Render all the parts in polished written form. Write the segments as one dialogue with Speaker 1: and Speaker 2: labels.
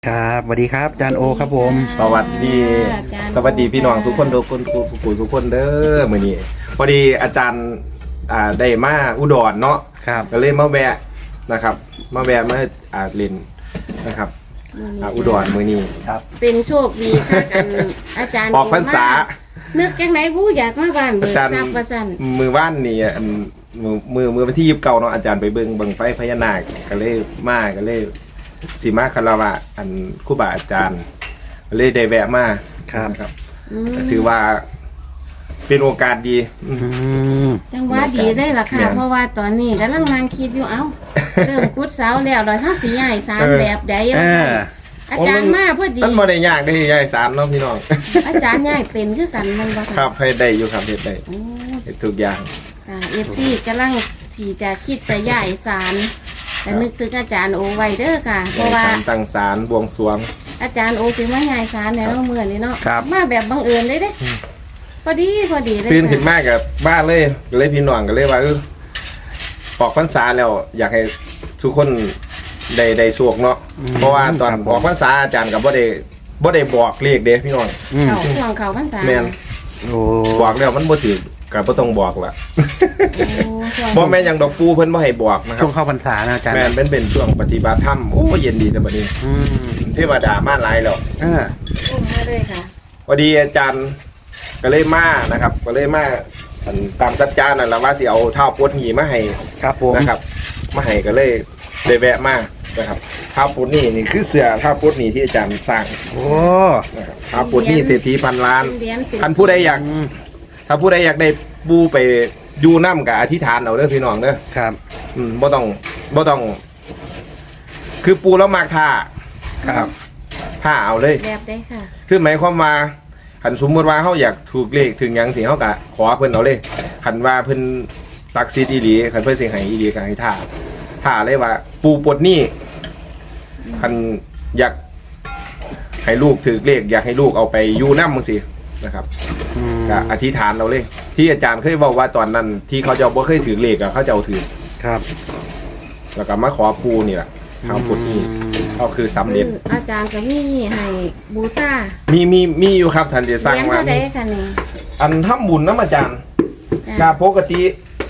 Speaker 1: ครับสวัสดีครับอาจารย์โอครับผม
Speaker 2: สวัสดีพี่น้องทุกคนทุกคนเด้อมื้อนี้พอดีอาจารย์ได้มาอุดรเนาะ
Speaker 1: ครับ
Speaker 2: ก็เลยมาแวะนะครับมาเล่นนะครับอุดรมื้อนี้ครับ
Speaker 3: เป็นโชคดีค่ะกันอาจารย์
Speaker 2: ออกพรรษา
Speaker 3: นึกจังไหนผู้อยากมาบ้านเบิ
Speaker 2: อาก จารย์
Speaker 3: ทรัพย์ประสัน
Speaker 2: มือว่านนี่มือวันที่29เนาะอาจารย์ไปเบิ่งไฟพญานาคก็เลยสิมาคารวะครูบาอาจารย์ก็เลยได้แวะมา
Speaker 1: ครับ
Speaker 2: นะครับ
Speaker 3: อืม
Speaker 2: ถือว่าเป็นโอกาสดี
Speaker 1: อืม
Speaker 3: จังว่าดีได้ล่ะค่ะ
Speaker 2: เนี่ย
Speaker 3: เพราะว่าตอนนี้กำลังนั่งคิดอยู่เอ้า เริ่มกุดเสาแล้วเราทั้งสีใหญ่สามแบบใด
Speaker 1: เออ
Speaker 3: อาจารย์มาพอดี
Speaker 2: มันบ่ได้ยากได้ยายสารเนาะพี่น้อง
Speaker 3: อาจารย์ใหญ่เป็นคือกันมันบ่
Speaker 2: ครับให้ได้อยู่ครับเฮ็ดได้
Speaker 3: โอ้
Speaker 2: เฮ็ดทุกอย่าง
Speaker 3: ค่ะเอฟซีกำลังที่จะคิดจะใหญ่สารแต่นึกถึงอาจารย์โอไว้เด้อค่ะ เพราะว่า
Speaker 2: ตั้งศาลบวงสรวง
Speaker 3: อาจารย์โอสิมาใหญ่สารในเนาะมื้อนี้เนาะ
Speaker 1: ครับ
Speaker 3: มาแบบบังเอิญเลยเด้พอดีเลย
Speaker 2: ตื่นขึ้นมากับบ้านเลยก็เลยพี่น้องก็เลยว่าออกพรรษาแล้วอยากให้ทุกคนได้โชคเนาะเพราะว่าตอนออกพรรษาอาจารย์ก็บ่ได้บอกเลขเด้พี่น้อง
Speaker 1: อืม
Speaker 3: เขาห่วงเขาพรรษา
Speaker 2: แม่น
Speaker 1: โอ้
Speaker 2: บอกแล้วมันบ่ถูกก็บ่ต้องบอกล่ะ
Speaker 3: โอ้ห่วง
Speaker 2: บ่แม่นหยังดอกปูเพิ่นบ่ให้บอกนะครั
Speaker 1: ช่
Speaker 2: บ
Speaker 1: วงเข้าพรรษานะอาจารย์
Speaker 2: แม่นเป็นช่วงปฏิบัติธรรมโอ้เย็นดีแต่บัดนี้
Speaker 1: อืม
Speaker 2: เทวดามาหลายแล้ว
Speaker 1: เออ
Speaker 3: อุ้มมาเลยค่ะ
Speaker 2: พอดีอาจารย์ก็เลยมานะครับก็เลยมาตามสัจจานั่นแหละว่าสิเอาเท้าปวดหนีมาให้
Speaker 1: ครับผม
Speaker 2: นะครับมาให้ก็เลยได้แวะมานะครับเท้าปวดหนีนี่คือเสือเท้าปวดหนีที่อาจารย์สร้าง
Speaker 1: โอ้
Speaker 2: นะครับเท้าปวดหนีเศรษฐีพันล้าน
Speaker 3: เหรียญสิบ
Speaker 2: ท่านผู้ใดอยาก
Speaker 1: อืม
Speaker 2: ถ้าผู้ใดอยากได้บูไปอยู่น้ำกับอธิษฐานเอาเด้อพี่น้องเด้อ
Speaker 1: ครับ
Speaker 2: บ่ต้อง คือปูแล้วมากท่า
Speaker 1: ครับ
Speaker 2: ท่าเอาเลย
Speaker 3: แบบได้ค่ะ
Speaker 2: คือหมายความว่าขันสมมติว่าเขาอยากถูกเลขถึงหยังสิเขากะขอเพิ่นเอาเลยขันว่าเพิ่นศักดิ์สิทธิ์อีหลีขันเพิ่นสิให้อีหลีก็ให้ท่าเลยว่า ปูปลดหนี้ขันอยากให้ลูกถือเลขอยากให้ลูกเอาไปอยู่น้ำมึงสินะครับ
Speaker 1: อืม
Speaker 2: ก็อธิษฐานเราเลย ที่อาจารย์เคยบอกว่าตอนนั้น ที่เขาจะบ่เคยถือเลขอะเขาจะเอาถือ
Speaker 1: ครับ
Speaker 2: แล้วก็มาขอปูนี่แหละทำปลดหนี้ก็คือสำ
Speaker 3: คื
Speaker 2: เร็จ
Speaker 3: ออาจารย์ก็มีให้บูชา
Speaker 2: มีอยู่ครับท่านจะ
Speaker 3: เห
Speaker 2: สร้าง
Speaker 3: รียญ
Speaker 2: มา
Speaker 3: เท่าใดค่ะนี่
Speaker 2: อันทำบุญน้ำอาจารย์
Speaker 3: จ้ะ
Speaker 2: ก็ปกติ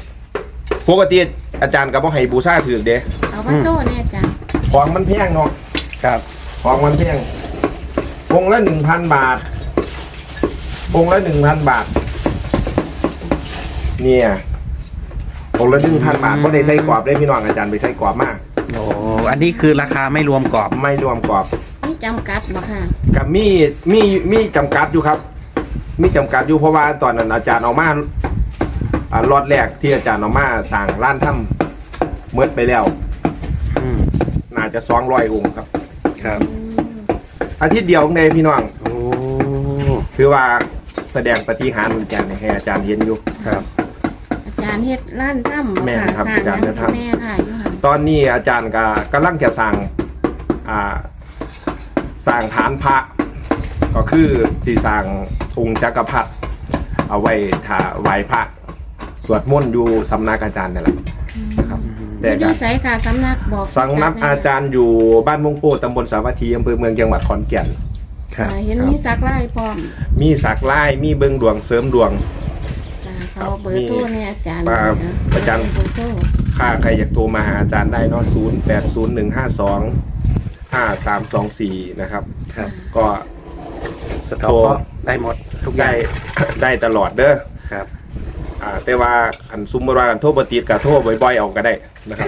Speaker 2: อาจารย์ก็บ่ให้บูชาถือเด้
Speaker 3: เอามาโซ่เนี่ยอาจารย์
Speaker 2: ของมันแพงเนาะ
Speaker 1: ครับ
Speaker 2: ของมันแพงองค์ละ 1,000 บาทองค์ละ 1,000 บาทเนี่ยองค์ละ 1,000 บาทบ่ได้ใส่กรอบได้พี่น้องอาจารย์ไปใส่กรอบมาก
Speaker 1: โอ้อันนี้คือราคาไม่รวมกรอบ
Speaker 2: ไม่รวมกรอบ
Speaker 3: นี่จำกัดบ่ค่ะ
Speaker 2: กับมีจำกัดอยู่ครับ มีจำกัดอยู่เพราะว่าตอนนั้นอาจารย์เอามาล็อตแรกที่อาจารย์เอามาสั่งร้านถ้ำเมื่อไปแล้ว
Speaker 1: อืม
Speaker 2: น่าจะ200 องค์ครับ
Speaker 1: ครับ
Speaker 3: อืม
Speaker 2: อาทิตย์เดียวในพี่น้อง
Speaker 1: โอ้
Speaker 2: คือว่าแสดงปฏิหารย์อาจารย์ให้อาจารย์เห็นอยู่
Speaker 1: ครับ
Speaker 3: อาจารย์เฮ็ดร้านถ้ำบ่
Speaker 2: แม่น
Speaker 3: ค่ะ
Speaker 2: ครับ
Speaker 3: สร้าง
Speaker 2: อาจารย์
Speaker 3: หยัง
Speaker 2: เฮ็ดถ้ำ
Speaker 3: แม่ค่ะอยู่หั่น
Speaker 2: ตอนนี้อาจารย์ก็กำลังจะสั่งสร้างฐานพระ ก็คือสีสร้างองค์จักรพรรดิเอาไว้ถ้าไหว้พระสวดมนต์อยู่สำนักอาจารย์นี่แหละนะครับ แต่
Speaker 3: อ
Speaker 2: ก็
Speaker 3: ยู่ไสค่ะสำนักบอก
Speaker 2: สำนักอาจารย์อยู่บ้านมงโปตำบลสาวัตถีอำเภอเมืองจังหวัดขอนแก่น
Speaker 1: ครับ
Speaker 3: เห็นมีสักไล่พร้อม
Speaker 2: มีสักไล่มีเบิงดวงเสริมดวง
Speaker 3: จ้ะเขาเบอร์โทรเนี่ยอาจารย์
Speaker 2: ว่าอาจารย์
Speaker 3: เบอร์โทร
Speaker 2: ค่าใครอยากโทรมาหาอาจารย์ได้เนาะ0801525324นะครับ
Speaker 1: ครับ
Speaker 2: ก็
Speaker 1: สต็อกก็ได้หมดทุกอย่า
Speaker 2: ได้
Speaker 1: ง
Speaker 2: ได้ตลอดเด้อ
Speaker 1: ครับ
Speaker 2: แต่ว่าอันซุมบรากันโทรปติดกับโทรบ่อยๆเอาก็ได้นะครับ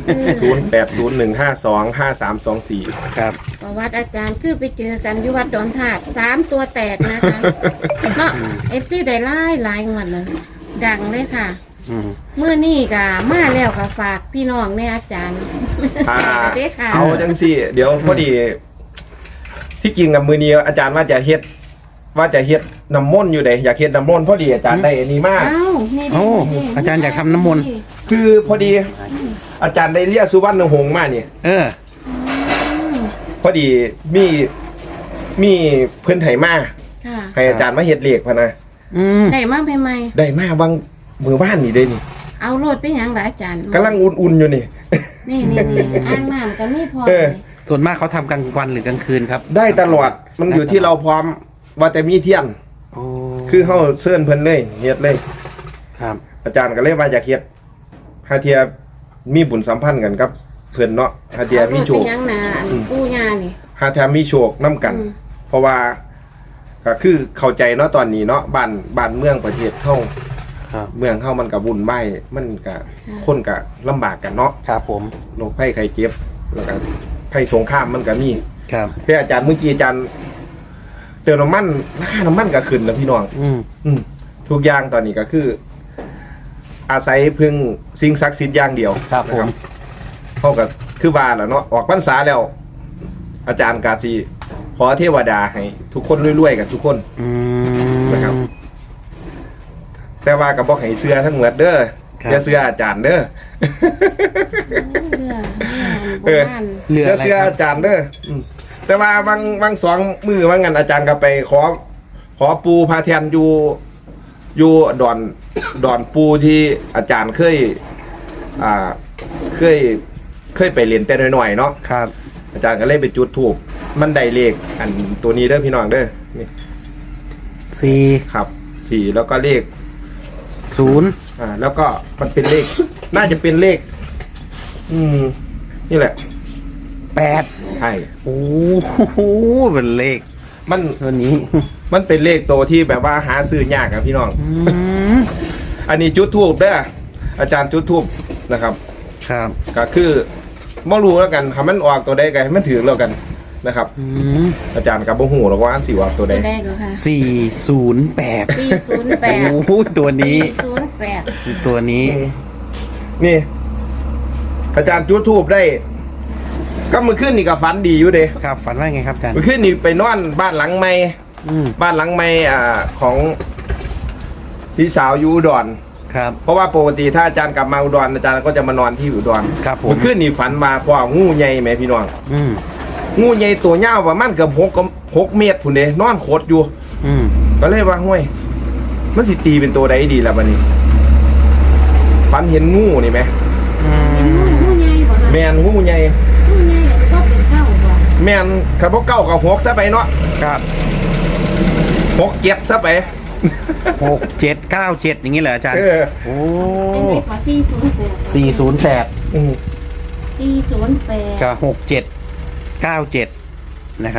Speaker 2: 0801525324
Speaker 1: ครับ
Speaker 3: ประวัติอาจารย์คือไปเจอกันอยู่วัดดอนถาด3 ตัวแตกนะคะเนาะเอฟซีได้หลายงวดเลยดังเลยค่ะ
Speaker 1: อืม
Speaker 3: เมื่อนี่ก็มาแล้วก็ฝากพี่น้องแม่อาจารย์ เด้อค่ะ
Speaker 2: เอาจังสิเดี๋ยวพอดีที่จริงกับมือนี้อาจารย์ว่าจะเฮ็ดน้ำมนต์อยู่เด้อยากเฮ็ดน้ำมนต์พอดีอาจารย์ได้อันนี้มาก
Speaker 3: เอ้านี่
Speaker 1: โอ้อาจารย์อยากทำน้ำมนต์
Speaker 2: คือพอดีอาจารย์ได้เรียกสุวรรณหงส์มานี่
Speaker 1: เออ
Speaker 2: พอดีมีเพื่อนไถมา
Speaker 3: ค่ะ
Speaker 2: ให้อาจารย์มาเฮ็ดเลขพะนะ
Speaker 1: อืม
Speaker 3: ได้มาใหม่
Speaker 2: ได้มาบางมือบ้านนี่เด้นี่
Speaker 3: ๆเอาโลดไปหยังล่ะอาจารย์
Speaker 2: กำลังอุ่นๆอยู่นี่
Speaker 3: นี่อ่างน้ำก็มีพอ
Speaker 2: เออ
Speaker 1: ส่วนมากเขาทำกลางวันหรือกลางคืนครับ
Speaker 2: ได้ตลอดมันอยู่ที่เราพร้อมว่าแต่มีเที่ยง
Speaker 1: โอ้
Speaker 2: คือเฮาเชิญเพิ่นเลยเฮ็ดเลย
Speaker 1: ครับ
Speaker 2: อาจารย์ก็เลยว่าอยากเฮ็ดหาเทียมีบุญสัมพันธ์กันกับเพิ่นเนาะหาเทียมีโช
Speaker 3: เป็
Speaker 2: คน
Speaker 3: ยังนาอันปู่ย่านี่
Speaker 2: หาเทียมีโชคนํกัน เพราะว่าก็คือเข้าใจเนาะตอนนี้เนาะบ้านเมืองประเทศเฮา
Speaker 1: ครับ
Speaker 2: เมืองเฮามันก็วุ่นวายมันก็คนก็ลำบากกันเนาะ
Speaker 1: ครับผม
Speaker 2: โรคภัยไข้เจ็บแล้วก็ภัยสงครามมันก็มี
Speaker 1: ครับ
Speaker 2: เพื่ออาจารย์เมื่อกี้อาจารย์เติมน้ำมันราคาน้ำมันก็ขึ้นแล้วพี่น้อง ทุกอย่างตอนนี้ก็คือ อาศัยพึ่งสิ่งศักดิ์สิทธิ์อย่างเดียว
Speaker 1: ครับผม
Speaker 2: เท่ากับคือว่าแหละเนาะออกพรรษาแล้ว อาจารย์กาซีขอเทวดาให้ทุกคนรวยๆกันทุกคน นะครับ แต่ว่ากับบอกให้เสื้อทั้งหมดเด้อ
Speaker 1: ครับ
Speaker 2: อย่าเสื้ออาจารย์เด้อ
Speaker 3: เรือบ้าน
Speaker 1: เหลือ
Speaker 2: อย่า
Speaker 1: อะไร
Speaker 2: เสื้อ
Speaker 1: ครับ
Speaker 2: อาจารย์เด้อแต่ว่าบางสองมือว่างันอาจารย์ก็ไปขอปูพาเทียนอยู่ดอนปูที่อาจารย์เคยไปเรียนแต่น้อยๆเนาะ
Speaker 1: ครับ
Speaker 2: อาจารย์ก็เลยไปจุดถูกมันได้เลขอันตัวนี้เด้อพี่น้องเด้อนี่
Speaker 1: สี่
Speaker 2: ครับ4แล้วก็เลข
Speaker 1: ศูนย์
Speaker 2: แล้วก็มันเป็นเลข น่าจะเป็นเลข นี่แหละ
Speaker 1: แปด
Speaker 2: ใช่
Speaker 1: โอ้โหเป็นเลข
Speaker 2: มัน
Speaker 1: ตัวนี้
Speaker 2: มันเป็นเลขตัวที่แบบว่าหาซื้อยากครับพี่น้อง อันนี้จุดทูบเด้ออาจารย์จุดทูบนะครับ
Speaker 1: ครับ
Speaker 2: ก็คือบ่รู้แล้วกันทำมันออกตัวใดกันให้มันถือแล้วกันนะครับ อาจารย์กับบ่ฮู้หรอกว่าอันสิว่าตัวใด
Speaker 3: ได้ก็ค่ะ
Speaker 1: 408
Speaker 3: 408
Speaker 1: โอ้โหตัวนี้
Speaker 3: 408
Speaker 1: ตัวนี้
Speaker 2: นี่ อาจารย์จุดทูบได้ ก็มือขึ้นนี่ก็ฝันดีอยู่เด้
Speaker 1: ครับฝันว่าไงครับอาจารย์
Speaker 2: มือขึ้นนี่ไปนอนบ้านหลังใหม่ บ้านหลังใหม่ของพี่สาวอยู่อุดร
Speaker 1: ครับ
Speaker 2: เพราะว่าปกติถ้าอาจารย์กลับมาอุดรอาจารย์ก็จะมานอนที่อุดร
Speaker 1: ครับผม
Speaker 2: เมื่อคืนนี่ฝันมาพ่องูใหญ่ไหมพี่น้อง
Speaker 1: อืม
Speaker 2: งูใหญ่ตัวยาวประมาณเกือบ6 เมตรพุ่นเด้นอนโคตรอยู่
Speaker 1: อืม
Speaker 2: ก็เลยว่าห้วยมันสิตีเป็นตัวใดดีล่ะบัดนี้ฝันเห็นงูนี่ไหม
Speaker 3: เป็นงูใหญ่บ่ล่ะ
Speaker 2: แม่นงูใหญ่
Speaker 3: งูใหญ่ก็เป็นเก้าบ่
Speaker 2: แม่นคันบ่เก้ากับ6ซะไปเนาะ
Speaker 1: ครับ
Speaker 2: 6 7ซะไป
Speaker 1: 6797อย่างนี้เหรออาจารย์ โอ้
Speaker 3: เป็นเลขว่า408
Speaker 1: 408
Speaker 2: อืม
Speaker 3: 408
Speaker 1: กับ6797นะครับ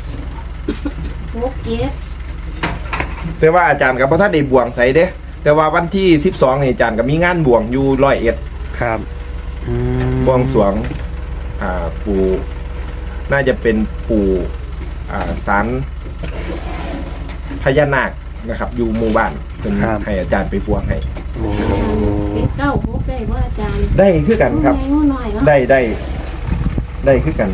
Speaker 3: 67
Speaker 2: แต่ว่าอาจารย์กับพ่อท่านได้บวงใส่เด้แต่ว่าวันที่12นี่อาจารย์ก็มีงานบวงอยู่101
Speaker 1: ครับอืม
Speaker 2: บวงสรวงปู่น่าจะเป็นปู่ศาลพญานาคนะครับ อยู่หมู่บ้านเป็นให้อาจารย์ไปบวงให้
Speaker 1: โอ้
Speaker 3: เป็นเก้าหกได้ว่าอาจารย์
Speaker 2: ได้คือกันครับ
Speaker 3: งูน้อยเนาะ
Speaker 2: ได้คือกัน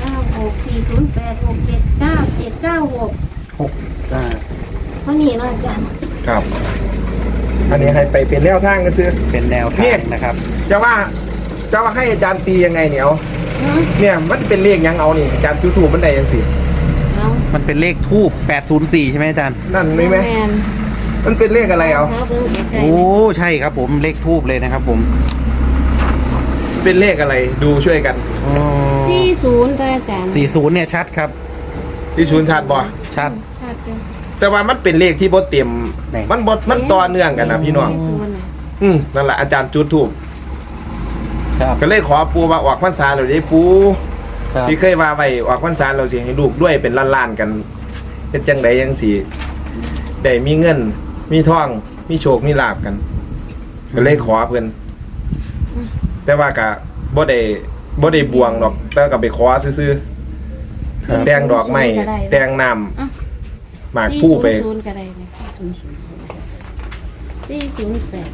Speaker 3: 964086799796
Speaker 1: อ่า
Speaker 3: เท่านี้เนาะอาจารย์
Speaker 2: ครับ อันนี้ให้ไปเป็นแนวทางก็ซื้อ
Speaker 1: เป็นแนว
Speaker 2: เนี่
Speaker 1: ทาย งนะครับ
Speaker 2: จะว่าให้อาจารย์ตียังไงเนี่ยเอา
Speaker 3: เนาะ
Speaker 2: เนี่ยมันเป็นเลขยังเอานี่อาจารย์ถูมันได้ยังสิ
Speaker 3: เอา
Speaker 1: มันเป็นเลขทูบ804 ใช่ไหมอาจารย์
Speaker 2: นั่นไหมไหม
Speaker 3: แม่น
Speaker 2: มันเป็นเลขอะไรเอา
Speaker 3: ขอเบิ่งใกล้
Speaker 1: โอ้ ใช่ครับผม เลขทูบเลยนะครับผม
Speaker 2: เป็นเลขอะไรดูช่วยกัน
Speaker 1: โอ้
Speaker 3: ๆ40ได้อาจารย์
Speaker 1: 40เนี่ยชัดครับ
Speaker 2: ที่ศูนย์ชาติบ่
Speaker 1: ชัด
Speaker 3: ชัดอยู่
Speaker 2: แต่ว่ามันเป็นเลขที่บ่เต็ม
Speaker 1: ไหน
Speaker 2: มันต่อเนื่องกันนะพี่น้อง
Speaker 3: 40น่ะ
Speaker 2: นั่นแหละอาจารย์จุดทูบ
Speaker 1: ครับ
Speaker 2: ก็เลยขอปูว่าออกพรรษาเราได้ปู
Speaker 1: ครับ
Speaker 2: ที่เคยว่าไว้ออกพรรษาเราสิให้ลูกด้วยเป็นล้านๆกันเป็นจังใดยังสิได้มีเงิน มีทองมีโชคมีลาบกัน ก็เลยขอเพิ่นแต่ว่าก็บ่ได้บวงหรอก แต่ก็ไปขอซื่อ
Speaker 1: ครับ
Speaker 2: ๆแต่งดอกไม้แต่งน้ำหมากผู้ไป
Speaker 3: 400ก็ได้เลย408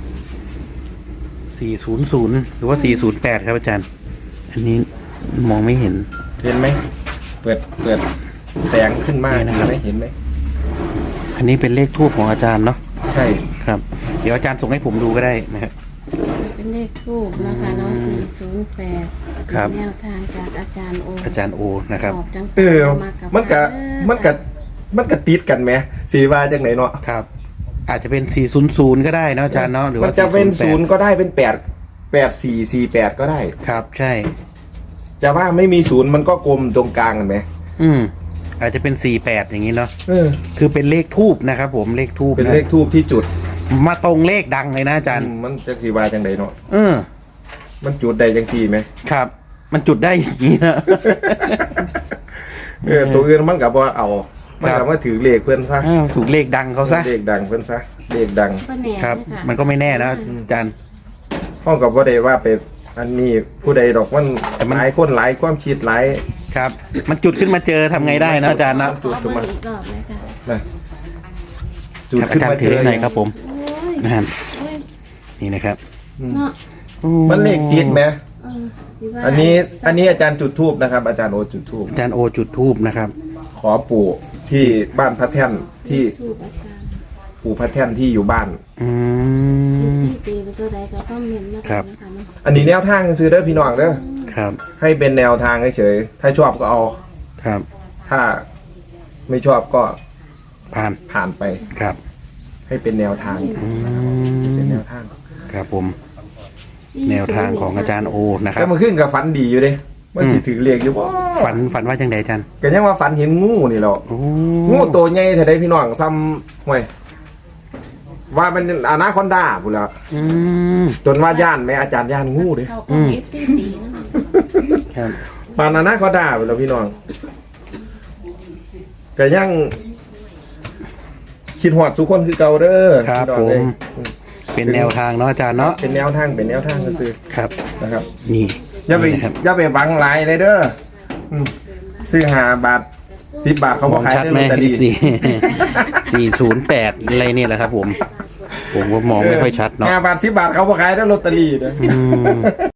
Speaker 1: 400 หรือว่า 408 ครับอาจารย์ อันนี้มองไม่เห็น
Speaker 2: เห็นไหมเปิดแสงขึ้นมา
Speaker 1: นี่นะครับ
Speaker 2: เห็นไหม
Speaker 1: อันนี้เป็นเลขทูบของอาจารย์เนาะ
Speaker 2: ใช่
Speaker 1: ครับ เดี๋ยวอาจารย์ส่งให้ผมดูก็ได้นะครับ
Speaker 3: เป็นเลขทูบนะคะเนาะ408
Speaker 1: ครับ
Speaker 3: แนวทางจากอาจารย์โอ
Speaker 1: อาจารย์โอนะครับ
Speaker 3: ออกจัง
Speaker 2: มันก็ติดกันไหมสีว่าจังไหนเนาะ
Speaker 1: ครับ อาจจะเป็น 400 ก็ได้เนาะอาจารย์เนาะ หรือ
Speaker 2: มัน
Speaker 1: ว่า
Speaker 2: จะเป็น
Speaker 1: 408
Speaker 2: 0ก็ได้เป็น8 4 4 8ก็ได้
Speaker 1: ครับ ใช่
Speaker 2: จะว่าไม่มีศูนย์มันก็กลมตรงกลางเห็นไหม
Speaker 1: อาจจะเป็น48อย่างนี้เนาะ
Speaker 2: เออ
Speaker 1: คือเป็นเลขทูบนะครับผมเลขทูบ
Speaker 2: เป็นเลขทูบที่จุด
Speaker 1: มาตรงเลขดังเลยนะอาจารย์
Speaker 2: มันจะสีวาจังใดเนาะ
Speaker 1: อ
Speaker 2: มันจุดใดจังสี่ไหม
Speaker 1: ครับ มันจุดได้อย่างนี้นะ
Speaker 2: ตัวอื่นมันกับว่าเอามันกับว่าถือเลขเพื่อนซะ
Speaker 1: อ้าวถูกเลขดังเขาซะ
Speaker 2: เลขดังเพื่อนซะเลขดัง
Speaker 3: ก็แน่
Speaker 1: ครับ
Speaker 3: เลยะ
Speaker 1: มันก็ไม่แน่นะอาจารย์
Speaker 2: ห้องกับว่าได้ว่าไปอันนี้ผู้ใดดอกมัน
Speaker 1: แต่มัน
Speaker 2: หลายคนหลายความคิดหลาย
Speaker 1: ครับ มันจุดขึ้นมาเจอทำไงได้นะอาจารย์นะ
Speaker 3: ขอเบอร์อีกรอบเลยค่ะ
Speaker 2: นะจุด
Speaker 1: ครับ
Speaker 2: ขึ้
Speaker 1: อาน จาร
Speaker 2: มา
Speaker 1: ย์
Speaker 2: เจ
Speaker 1: ถือ
Speaker 2: อ
Speaker 1: ให้หน่อยครับผม
Speaker 3: โอ้ย
Speaker 1: นั่น
Speaker 3: โอ้ย
Speaker 1: นี่นะครับ
Speaker 3: เนาะ
Speaker 2: มันเลขติดไหม
Speaker 3: สิว่า
Speaker 2: อันนี้อาจารย์จุดทูบนะครับ อาจารย์โอจุดทูบ
Speaker 1: อาจารย์โอจุดทูบนะครับ
Speaker 2: ขอปู่ที่บ้านพระแท่นที่
Speaker 3: ถูกอาจารย์
Speaker 2: ปู่พระแท่นที่อยู่บ้าน
Speaker 1: อื
Speaker 3: ยี่
Speaker 1: ม
Speaker 3: สิบปีเป็นตัวใดก็ต้องเน้นมา
Speaker 1: ครับ
Speaker 3: นะคะเนาะ
Speaker 2: อันนี้แนวทางซื้อเด้อพี่น้องเด้อ
Speaker 1: ครับ
Speaker 2: ให้เป็นแนวทางเฉยๆถ้าชอบก็เอา
Speaker 1: ครับ
Speaker 2: ถ้าไม่ชอบก็
Speaker 1: ผ่าน
Speaker 2: ผ่านไป
Speaker 1: ครับ
Speaker 2: ให้เป็นแนวทาง
Speaker 1: อื
Speaker 2: เป็น
Speaker 1: ม
Speaker 2: แนวทาง
Speaker 1: ครับผม แนวทางของอาจารย์โอนะครั
Speaker 2: แต่
Speaker 1: บ
Speaker 2: มันขึ้นกับฝันดีอยู่เด้มันสิถือเลขอยู่บ่
Speaker 1: ฝันว่าจังไดอาจารย์
Speaker 2: ก็ยังว่าฝันเห็นงูนี่แหละ
Speaker 1: โอ้
Speaker 2: งูตัวใหญ่เท่าใดพี่น้องซ้ำห่วยว่ามันอนาคอนดาพุ่นแล้ว
Speaker 1: อืม
Speaker 2: จนว่าย่านแม่อาจารย์ย่านงูเด้
Speaker 3: เขาของ FC ตีนะคะ
Speaker 1: ครับ
Speaker 2: ปานอนาคอนดาพุ่นแล้วพี่น้องก็ยังคิดฮอดสุคนคือเก่าเด้อ
Speaker 1: ครับ
Speaker 2: พี่น้อง
Speaker 1: ผ
Speaker 2: เอ้
Speaker 1: ม
Speaker 2: ย
Speaker 1: เป็นแนวทางเนาะอาจารย์เนาะ
Speaker 2: เป็นแนวทางซื่อ
Speaker 1: ครับ
Speaker 2: ๆนะครับ
Speaker 1: นี่
Speaker 2: อย่าไป
Speaker 1: นี่นะครับ
Speaker 2: อย่าไปหวังหลายเลยเด้ออืมซื้อ5 บาท10 บาทเขา
Speaker 1: ม
Speaker 2: บ่
Speaker 1: อง
Speaker 2: ขาย
Speaker 1: ชัด
Speaker 2: ได้
Speaker 1: ไหม
Speaker 2: ลอตเตอรี่
Speaker 1: 408อะไรเนี่ยแหละครับผม ผมก็มองไม่ค่อยชัดเนาะ
Speaker 2: 5 บาท10 บาทเขาบ่ขายได้ลอตเตอรี่เด้อ
Speaker 1: อืม